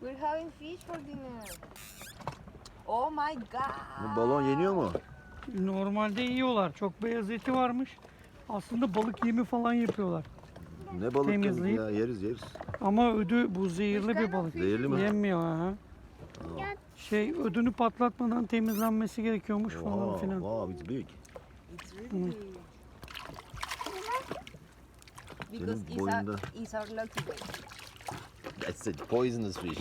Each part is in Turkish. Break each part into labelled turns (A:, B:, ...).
A: We're having fish for dinner. Oh my god.
B: Bu balon yeniyor mu?
C: Normalde yiyorlar. Çok beyaz eti varmış. Aslında balık yemi falan yapıyorlar.
B: Ne balık
C: Temizleyip-
B: ya, yeriz.
C: Ama ödü bu zehirli bir balık.
B: Zehirli mi?
C: Yenmiyor ha. Ödünü patlatmadan temizlenmesi gerekiyormuş falan
B: Wow,
C: filan.
B: wow, it's big.
A: It's really big. Because
B: Senin boyunda.
A: it's our lucky day.
B: That's a poisonous fish.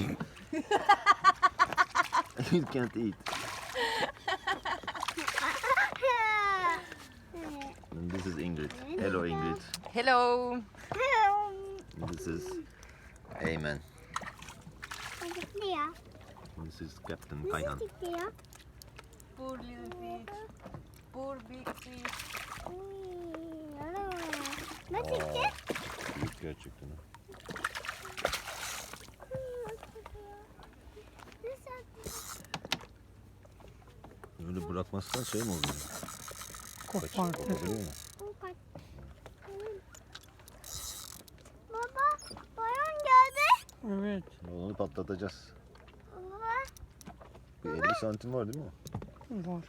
B: You can't eat. And this is Ingrid. Hello Ingrid.
A: Hello.
B: And this is Eymen. This is Captain Kayhan.
A: Poor little fish. Poor big fish.
B: Büyük gerçekten. Ha. Öyle bırakmazsan şey mi oluyor?
C: Kopartır.
B: Olabiliyor mu?
D: Baba, bayan geldi.
C: Evet.
B: Onu patlatacağız.
D: Baba,
B: Bir 50 santim var değil mi?
C: Var.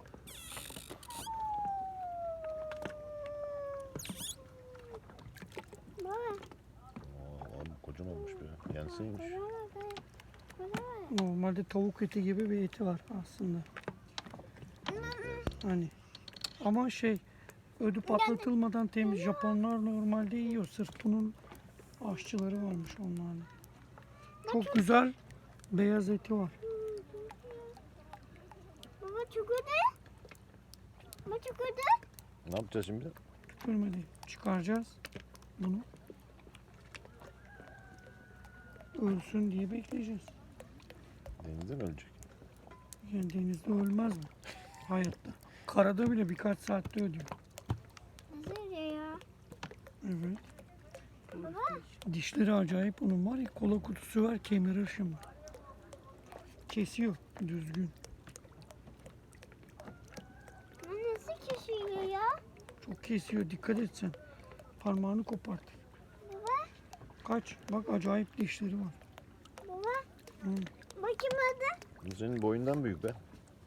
D: baba,
B: Aa, abi kocaman olmuş be. Yenseymiş.
C: Normalde tavuk eti gibi bir eti var aslında. Hani. Ama ödü patlatılmadan temiz. Japonlar normalde yiyor. Sırf bunun aşçıları varmış onlarda. Çok güzel beyaz eti var.
D: baba çukurdu. Baba çukurdu.
B: Ne yapacağız şimdi?
C: Tükürmedi. Çıkaracağız bunu. Ölsün diye bekleyeceğiz.
B: Denizde mi ölecek?
C: Yani denizde ölmez mi? Hayatta. Karada bile birkaç saatte ölüyor.
D: Nasıl ya?
C: Evet. Dişleri acayip onun var ya, kola kutusu var, kemirir şimdi. Kesiyor düzgün.
D: Nasıl kesiyor ya?
C: Çok kesiyor, dikkat et sen. Parmağını kopartır.
D: Baba,
C: Kaç, bak acayip dişleri var.
D: baba.
C: Hı.
D: Bakayım hadi.
B: Bu senin boyundan büyük be.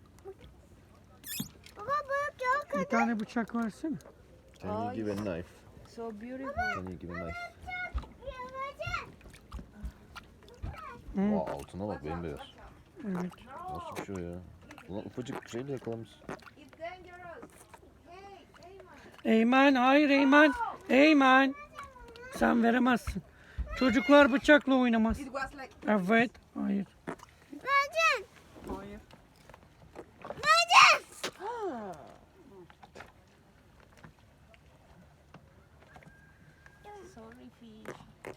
D: Baba bak ya.
C: Bir tane bıçak versene.
B: Can you give a knife?
A: So beautiful.
B: Can you give a knife?
C: Hı.
B: Aa, altına bak bembeyaz.
C: Evet.
B: Nasıl bir şey o ya? Ulan ufacık şeyle yakalamış.
A: It's dangerous. Hey,
C: Eymen, hayır Eymen. Eymen. Sen veremezsin. Çocuklar bıçakla oynamaz.
A: It was like.
C: Evet, hayır.
D: Vereceğim.
C: Hayır.
D: Vereceğim.
A: Sorry, fish.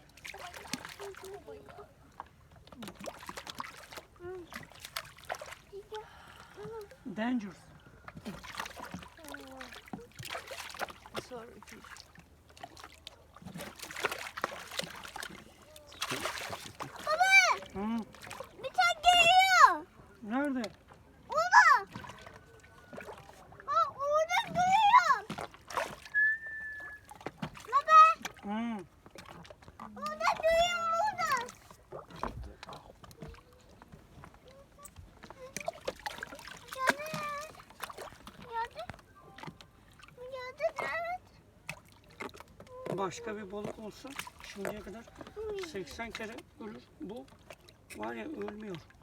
C: Dangerous.
A: Sorry, fish.
C: Hı.
D: Bıçak geliyor.
C: Nerede?
D: Orada. Bak orada duruyor. Baba,
C: Hı.
D: orada duruyor orada.
C: Başka bir balık olsa şimdiye kadar 80 kere ölür. Bu var ya, ölmüyor.